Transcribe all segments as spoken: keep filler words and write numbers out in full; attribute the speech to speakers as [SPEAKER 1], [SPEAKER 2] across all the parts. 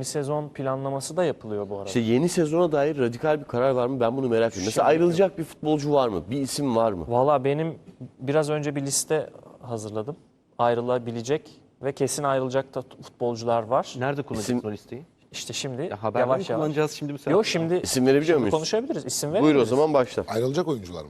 [SPEAKER 1] yeni sezon planlaması da yapılıyor bu arada.
[SPEAKER 2] İşte yeni sezona dair radikal bir karar var mı? Ben bunu merak ediyorum. Mesela ayrılacak bir futbolcu var mı? Bir isim var mı?
[SPEAKER 1] Valla benim biraz önce bir liste hazırladım. Ayrılabilecek ve kesin ayrılacak da futbolcular var.
[SPEAKER 3] Nerede kullanacaksın
[SPEAKER 2] İsim-
[SPEAKER 3] o listeyi?
[SPEAKER 1] İşte şimdi
[SPEAKER 3] Ya haberde mi
[SPEAKER 1] yavaş yavaş.
[SPEAKER 3] kullanacağız şimdi bu sefer?
[SPEAKER 1] Yok şimdi,
[SPEAKER 2] İsim verebiliyor
[SPEAKER 1] şimdi
[SPEAKER 2] muyuz?
[SPEAKER 1] konuşabiliriz. İsim
[SPEAKER 2] Buyur
[SPEAKER 1] verebiliriz.
[SPEAKER 2] o zaman başla.
[SPEAKER 4] Ayrılacak oyuncular mı?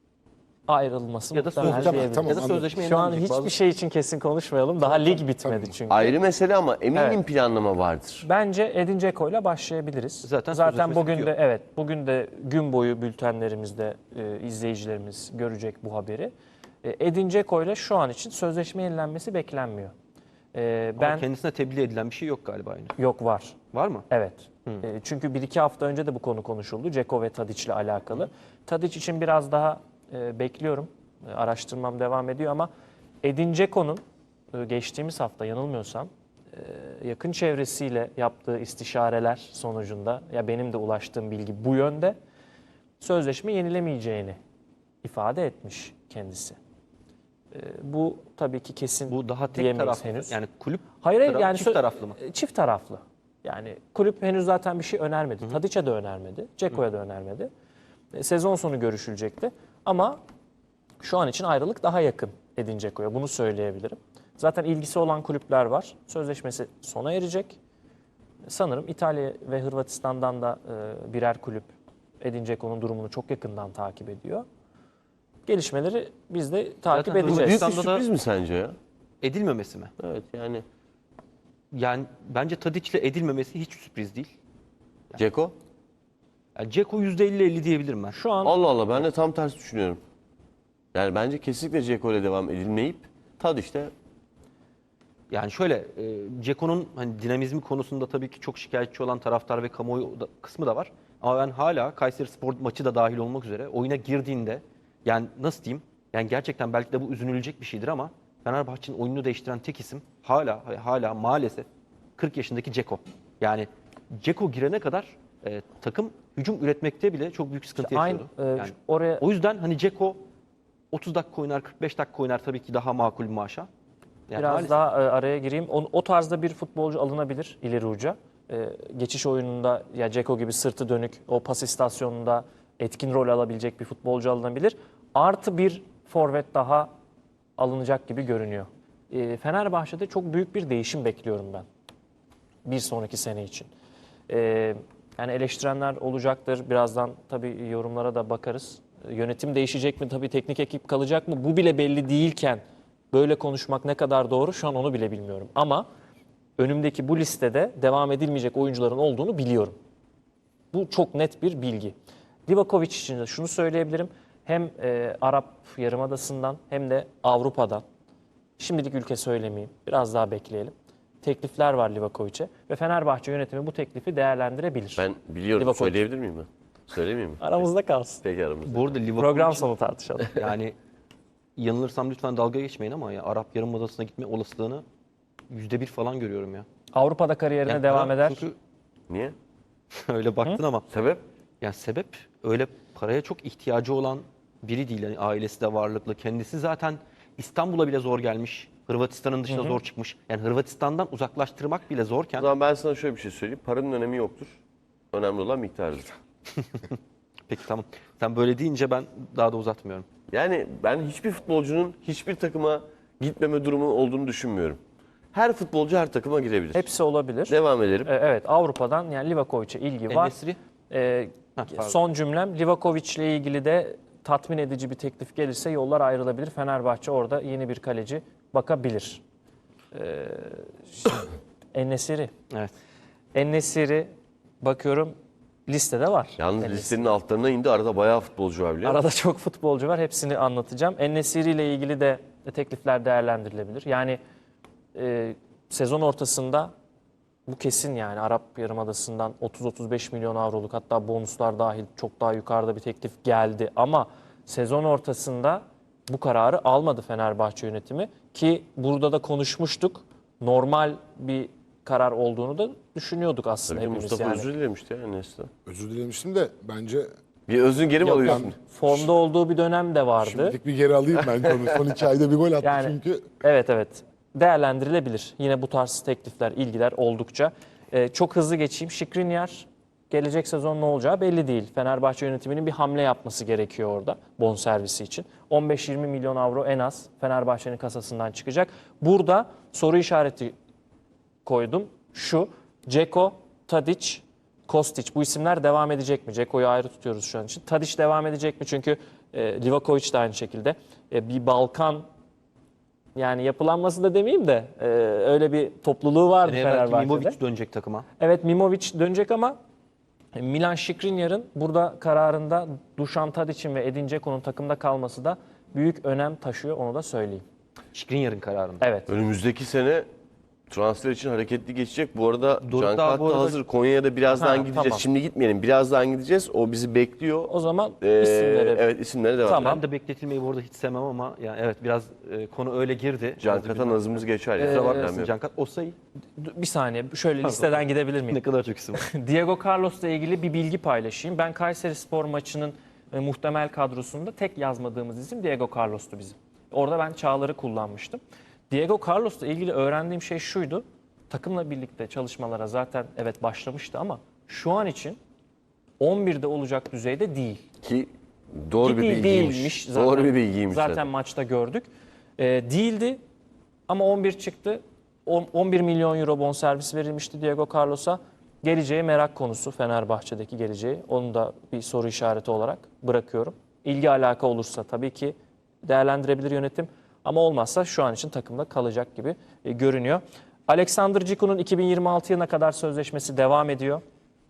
[SPEAKER 1] Ayrılması
[SPEAKER 3] Ya da
[SPEAKER 1] muhtemelen
[SPEAKER 3] sözleşme,
[SPEAKER 1] diyebiliriz.
[SPEAKER 4] tamam,
[SPEAKER 3] ya da
[SPEAKER 4] anladım.
[SPEAKER 3] sözleşme
[SPEAKER 1] Şu an
[SPEAKER 3] yenilenecek.
[SPEAKER 1] hiçbir
[SPEAKER 3] Bazı-
[SPEAKER 1] şey için kesin konuşmayalım. Daha lig bitmedi
[SPEAKER 4] tamam.
[SPEAKER 1] çünkü.
[SPEAKER 2] Ayrı mesele ama eminim
[SPEAKER 1] Evet.
[SPEAKER 2] planlama vardır.
[SPEAKER 1] Bence Edin Dzeko'yla başlayabiliriz.
[SPEAKER 3] Zaten
[SPEAKER 1] Zaten
[SPEAKER 3] sözleşmesi
[SPEAKER 1] bugün de
[SPEAKER 3] bitiyor.
[SPEAKER 1] evet bugün de gün boyu bültenlerimizde e, izleyicilerimiz görecek bu haberi. E, Edin Dzeko'yla şu an için sözleşme yenilenmesi beklenmiyor. E,
[SPEAKER 3] Ama
[SPEAKER 1] ben
[SPEAKER 3] kendisine tebliğ edilen bir şey yok galiba henüz.
[SPEAKER 1] yok var.
[SPEAKER 3] Var mı?
[SPEAKER 1] Evet. E, çünkü bir iki hafta önce de bu konu konuşuldu. Dzeko ve Tadic'le alakalı. Tadic için biraz daha e, bekliyorum. E, araştırmam devam ediyor ama Edin Dzeko'nun e, geçtiğimiz hafta yanılmıyorsam e, yakın çevresiyle yaptığı istişareler sonucunda ya benim de ulaştığım bilgi bu yönde sözleşme yenilemeyeceğini ifade etmiş kendisi. E, bu tabii ki kesin
[SPEAKER 3] Bu daha tek
[SPEAKER 1] diyemeyiz
[SPEAKER 3] taraflı.
[SPEAKER 1] henüz.
[SPEAKER 3] Yani kulüp
[SPEAKER 1] Hayır, hayır
[SPEAKER 3] taraf-
[SPEAKER 1] yani
[SPEAKER 3] çift
[SPEAKER 1] sö-
[SPEAKER 3] taraflı mı?
[SPEAKER 1] e, Çift taraflı. Yani kulüp henüz zaten bir şey önermedi. Tadic'e de önermedi. Dzeko'ya da önermedi. E, sezon sonu görüşülecekti. Ama şu an için ayrılık daha yakın Edin Dzeko'ya. Bunu söyleyebilirim. Zaten ilgisi olan kulüpler var. Sözleşmesi sona erecek. Sanırım İtalya ve Hırvatistan'dan da e, birer kulüp Edin Dzeko'nun durumunu çok yakından takip ediyor. Gelişmeleri biz de takip
[SPEAKER 3] Zaten
[SPEAKER 1] edeceğiz.
[SPEAKER 2] Büyük bir
[SPEAKER 3] Hırvatistan'da da-
[SPEAKER 2] sürpriz mi sence ya?
[SPEAKER 3] Edilmemesi mi?
[SPEAKER 2] Evet yani.
[SPEAKER 3] Yani bence Tadic'le edilmemesi hiç sürpriz değil.
[SPEAKER 2] Ceko?
[SPEAKER 3] Yani Dzeko yüzde elli elli diyebilirim ben.
[SPEAKER 1] Şu an
[SPEAKER 2] Allah Allah ben de tam tersi düşünüyorum. Yani bence kesinlikle Ceko ile devam edilmeyip tad işte
[SPEAKER 3] Yani şöyle, e, Dzeko'nun hani dinamizmi konusunda tabii ki çok şikayetçi olan taraftar ve kamuoyu da, kısmı da var. Ama ben hala Kayserispor maçı da dahil olmak üzere oyuna girdiğinde yani nasıl diyeyim? Yani gerçekten belki de bu üzünülecek bir şeydir ama Fenerbahçe'nin oyununu değiştiren tek isim hala hala maalesef kırk yaşındaki Dzeko. Yani Dzeko girene kadar e, takım hücum üretmekte bile çok büyük sıkıntı
[SPEAKER 1] aynı
[SPEAKER 3] yaşıyordu.
[SPEAKER 1] e,
[SPEAKER 3] Yani
[SPEAKER 1] oraya
[SPEAKER 3] o yüzden hani Dzeko otuz dakika oynar, kırk beş dakika oynar tabii ki daha makul bir maaşa. Yani
[SPEAKER 1] Biraz
[SPEAKER 3] maalesef.
[SPEAKER 1] daha e, araya gireyim. O, o tarzda bir futbolcu alınabilir ileri uca. E, geçiş oyununda ya Dzeko gibi sırtı dönük o pas istasyonunda etkin rol alabilecek bir futbolcu alınabilir. Artı bir forvet daha alınacak gibi görünüyor. E, Fenerbahçe'de çok büyük bir değişim bekliyorum ben. Bir sonraki sene için. E, yani eleştirenler olacaktır. Birazdan tabii yorumlara da bakarız. E, yönetim değişecek mi? Tabii teknik ekip kalacak mı? Bu bile belli değilken böyle konuşmak ne kadar doğru şu an onu bile bilmiyorum. Ama önümdeki bu listede devam edilmeyecek oyuncuların olduğunu biliyorum. Bu çok net bir bilgi. Livakovic için de şunu söyleyebilirim. Hem e, Arap Yarımadası'ndan hem de Avrupa'dan. Şimdilik ülke söylemeyeyim. Biraz daha bekleyelim. Teklifler var Livakovic'e ve Fenerbahçe yönetimi bu teklifi değerlendirebilir.
[SPEAKER 2] ben biliyorum.
[SPEAKER 1] Livakovic.
[SPEAKER 2] Söyleyebilir miyim ben? Söylemeyeyim mi?
[SPEAKER 1] Aramızda kalsın.
[SPEAKER 2] Peki aramızda.
[SPEAKER 3] Bu arada Liverpool
[SPEAKER 1] Program
[SPEAKER 3] için-
[SPEAKER 1] sonu tartışalım.
[SPEAKER 3] Yani yanılırsam lütfen dalga geçmeyin ama ya Arap Yarımadası'na gitme olasılığını yüzde bir falan görüyorum ya.
[SPEAKER 1] Avrupa'da kariyerine
[SPEAKER 3] Yani
[SPEAKER 1] devam
[SPEAKER 3] para-
[SPEAKER 1] eder.
[SPEAKER 3] Çünkü
[SPEAKER 2] Niye?
[SPEAKER 3] öyle baktın ama
[SPEAKER 2] Sebep?
[SPEAKER 3] yani sebep öyle paraya çok ihtiyacı olan biri değil. Yani ailesi de varlıklı. Kendisi zaten İstanbul'a bile zor gelmiş. Hırvatistan'ın dışına zor çıkmış. Yani Hırvatistan'dan uzaklaştırmak bile
[SPEAKER 2] O
[SPEAKER 3] zorken
[SPEAKER 2] zaman ben sana şöyle bir şey söyleyeyim. Paranın önemi yoktur. Önemli olan miktardır.
[SPEAKER 3] peki tamam. Sen böyle deyince ben daha da uzatmıyorum.
[SPEAKER 2] Yani ben hiçbir futbolcunun hiçbir takıma gitmeme durumu olduğunu düşünmüyorum. Her futbolcu her takıma girebilir.
[SPEAKER 1] Hepsi olabilir.
[SPEAKER 2] Devam edelim.
[SPEAKER 1] E, Evet, Avrupa'dan yani Livakovic'e ilgi var.
[SPEAKER 3] En-Nesyri?
[SPEAKER 1] E,
[SPEAKER 3] Heh, pardon.
[SPEAKER 1] son cümlem Livakovic'le ilgili de tatmin edici bir teklif gelirse yollar ayrılabilir. Fenerbahçe orada yeni bir kaleci bakabilir. E, En-Nesyri.
[SPEAKER 3] Evet.
[SPEAKER 1] En-Nesyri bakıyorum listede var.
[SPEAKER 2] Yalnız
[SPEAKER 1] En-Nesyri.
[SPEAKER 2] listenin altlarına indi. Arada bayağı futbolcu var biliyor musun?
[SPEAKER 1] Arada çok futbolcu var. Hepsini anlatacağım. En-Nesyri ile ilgili de teklifler değerlendirilebilir. Yani e, sezon ortasında bu kesin yani Arap Yarımadası'ndan otuz otuz beş milyon avroluk hatta bonuslar dahil çok daha yukarıda bir teklif geldi. Ama sezon ortasında bu kararı almadı Fenerbahçe yönetimi ki burada da konuşmuştuk. Normal bir karar olduğunu da düşünüyorduk aslında
[SPEAKER 2] Tabii
[SPEAKER 1] hepimiz
[SPEAKER 2] Mustafa
[SPEAKER 1] yani.
[SPEAKER 2] özür dilemişti ya Enes'ten.
[SPEAKER 4] Özür dilemiştim de bence
[SPEAKER 2] Bir özün geri mi
[SPEAKER 1] Yok,
[SPEAKER 2] alıyorsun?
[SPEAKER 1] ben formda olduğu bir dönem de vardı.
[SPEAKER 4] şimdilik bir geri alayım ben konu. Son iki ayda bir gol attı
[SPEAKER 1] Yani-
[SPEAKER 4] çünkü.
[SPEAKER 1] Evet evet değerlendirilebilir. Yine bu tarz teklifler, ilgiler oldukça. Ee, çok hızlı geçeyim. Skriniar gelecek sezon ne olacağı belli değil. Fenerbahçe yönetiminin bir hamle yapması gerekiyor orada bonservisi için. on beş yirmi milyon avro en az Fenerbahçe'nin kasasından çıkacak. Burada soru işareti koydum. Şu, Dzeko, Tadic, Kostic bu isimler devam edecek mi? Dzeko'yu ayrı tutuyoruz şu an için. Tadic devam edecek mi? Çünkü e, Livakovic de aynı şekilde. E, bir Balkan yani yapılanması da demeyeyim de e, öyle bir topluluğu vardı
[SPEAKER 3] Seneye belki
[SPEAKER 1] Fenerbahçe'de.
[SPEAKER 3] Mimovic dönecek takıma.
[SPEAKER 1] Evet, Mimovic dönecek ama Milan Skriniar'ın burada kararında Dušan Tadic'in ve Edin Dzeko'nun takımda kalması da büyük önem taşıyor, onu da söyleyeyim.
[SPEAKER 3] Skriniar'ın kararında.
[SPEAKER 1] Evet.
[SPEAKER 2] Önümüzdeki sene transfer için hareketli geçecek. Bu arada
[SPEAKER 3] Doruk
[SPEAKER 2] Can
[SPEAKER 3] daha
[SPEAKER 2] Kart
[SPEAKER 3] bu
[SPEAKER 2] da
[SPEAKER 3] arada-
[SPEAKER 2] hazır. Konya'ya da birazdan
[SPEAKER 1] Ha,
[SPEAKER 2] gideceğiz.
[SPEAKER 1] tamam.
[SPEAKER 2] Şimdi gitmeyelim. Birazdan gideceğiz. O bizi bekliyor.
[SPEAKER 1] O zaman
[SPEAKER 2] Ee,
[SPEAKER 1] isimlere
[SPEAKER 2] evet isimlere devam
[SPEAKER 1] Tamam.
[SPEAKER 2] edelim.
[SPEAKER 3] Ben de bekletilmeyi bu arada hiç sevmem ama yani evet biraz e, konu öyle girdi.
[SPEAKER 2] Can
[SPEAKER 3] Biraz da
[SPEAKER 2] Kart'a
[SPEAKER 3] bir-
[SPEAKER 2] nazımız geçer. ya.
[SPEAKER 3] Kusura
[SPEAKER 2] Problem
[SPEAKER 3] bakmasın
[SPEAKER 2] yok.
[SPEAKER 3] Cankat. Osayi
[SPEAKER 1] bir saniye şöyle listeden gidebilir miyim?
[SPEAKER 3] ne kadar çok isim var.
[SPEAKER 1] Diego Carlos'la ilgili bir bilgi paylaşayım. Ben Kayserispor maçının e, muhtemel kadrosunda tek yazmadığımız isim Diego Carlos'tu bizim. Orada ben Çağlar'ı kullanmıştım. Diego Carlos'la ilgili öğrendiğim şey şuydu. Takımla birlikte çalışmalara zaten evet başlamıştı ama şu an için on birde olacak düzeyde değil.
[SPEAKER 2] Ki doğru bir
[SPEAKER 1] Değil-
[SPEAKER 2] bilgiymiş.
[SPEAKER 1] değilmiş zaten.
[SPEAKER 2] Doğru bir bilgiymiş.
[SPEAKER 1] Zaten
[SPEAKER 2] zaten.
[SPEAKER 1] maçta gördük. Ee, değildi ama on bir çıktı. On- on bir milyon euro bonservis verilmişti Diego Carlos'a. Geleceği merak konusu, Fenerbahçe'deki geleceği. Onu da bir soru işareti olarak bırakıyorum. İlgi alaka olursa tabii ki değerlendirebilir yönetim. Ama olmazsa şu an için takımda kalacak gibi e, görünüyor. Alexander Ciku'nun iki bin yirmi altı yılına kadar sözleşmesi devam ediyor.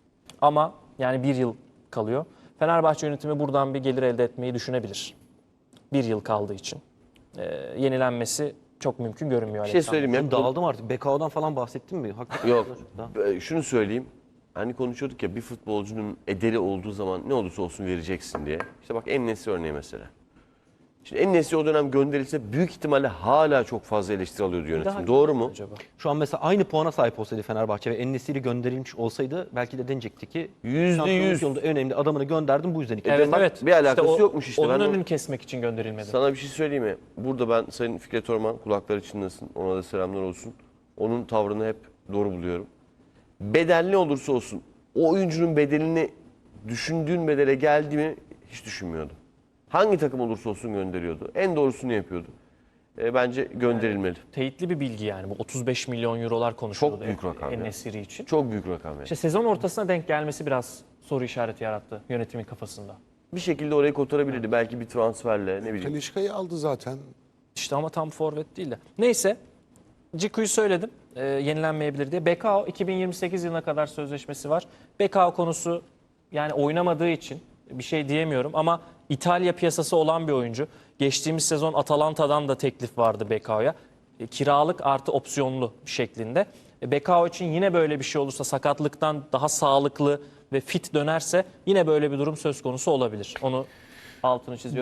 [SPEAKER 1] Ama yani bir yıl kalıyor. Fenerbahçe yönetimi buradan bir gelir elde etmeyi düşünebilir. Bir yıl kaldığı için. Ee, yenilenmesi çok mümkün görünmüyor.
[SPEAKER 2] Bir şey
[SPEAKER 1] Alexander.
[SPEAKER 2] söyleyeyim ya.
[SPEAKER 3] Ben dağıldım artık. B K O'dan falan bahsettin mi? Hakikaten
[SPEAKER 2] Yok.
[SPEAKER 3] Daha-
[SPEAKER 2] Ee, Şunu söyleyeyim. Hani konuşuyorduk ya bir futbolcunun ederi olduğu zaman ne olursa olsun vereceksin diye. İşte bak En-Nesyri örneği mesela. Şimdi En-Nesyri o dönem gönderilse büyük ihtimalle hala çok fazla eleştiri alıyordu yönetim.
[SPEAKER 1] Daha
[SPEAKER 2] Doğru mu?
[SPEAKER 1] acaba?
[SPEAKER 3] Şu an mesela aynı puana sahip olsaydı Fenerbahçe ve En-Nesyri gönderilmiş olsaydı belki de denecekti ki
[SPEAKER 2] Yüzde
[SPEAKER 3] şampiyonluk
[SPEAKER 2] yüz.
[SPEAKER 3] yolunda en önemli adamını gönderdim bu yüzden iki.
[SPEAKER 1] Evet
[SPEAKER 2] bak,
[SPEAKER 1] evet.
[SPEAKER 2] bir alakası
[SPEAKER 1] o-
[SPEAKER 2] yokmuş işte.
[SPEAKER 1] Onun
[SPEAKER 2] Ben o-
[SPEAKER 1] önünü kesmek için gönderilmedi.
[SPEAKER 2] Sana bir şey söyleyeyim mi? Burada ben Sayın Fikret Orman kulakları çınlasın. Ona da selamlar olsun. Onun tavrını hep doğru buluyorum. Bedel ne olursa olsun o oyuncunun bedelini düşündüğün bedele geldi mi hiç düşünmüyordu. Hangi takım olursa olsun gönderiyordu. En doğrusunu yapıyordu. E, bence gönderilmeli.
[SPEAKER 1] Teyitli bir bilgi yani. Bu otuz beş milyon eurolar konuşuluyordu.
[SPEAKER 2] Çok büyük rakam ya.
[SPEAKER 1] En-Nesyri için.
[SPEAKER 2] Çok büyük rakam yani.
[SPEAKER 1] İşte sezon ortasına denk gelmesi biraz soru işareti yarattı yönetimin kafasında.
[SPEAKER 2] Bir şekilde orayı kotarabilirdi. Belki bir transferle ne bileyim.
[SPEAKER 4] Talişka'yı aldı zaten.
[SPEAKER 1] İşte ama tam forvet değil de. Neyse. Ciku'yu söyledim. E, yenilenmeyebilir diye. Bekao iki bin yirmi sekiz yılına kadar sözleşmesi var. Bekao konusu yani oynamadığı için bir şey diyemiyorum ama İtalya piyasası olan bir oyuncu. Geçtiğimiz sezon Atalanta'dan da teklif vardı Bekao'ya. E, kiralık artı opsiyonlu şeklinde. E, Bekao için yine böyle bir şey olursa sakatlıktan daha sağlıklı ve fit dönerse yine böyle bir durum söz konusu olabilir. Onu altını çiziyorum.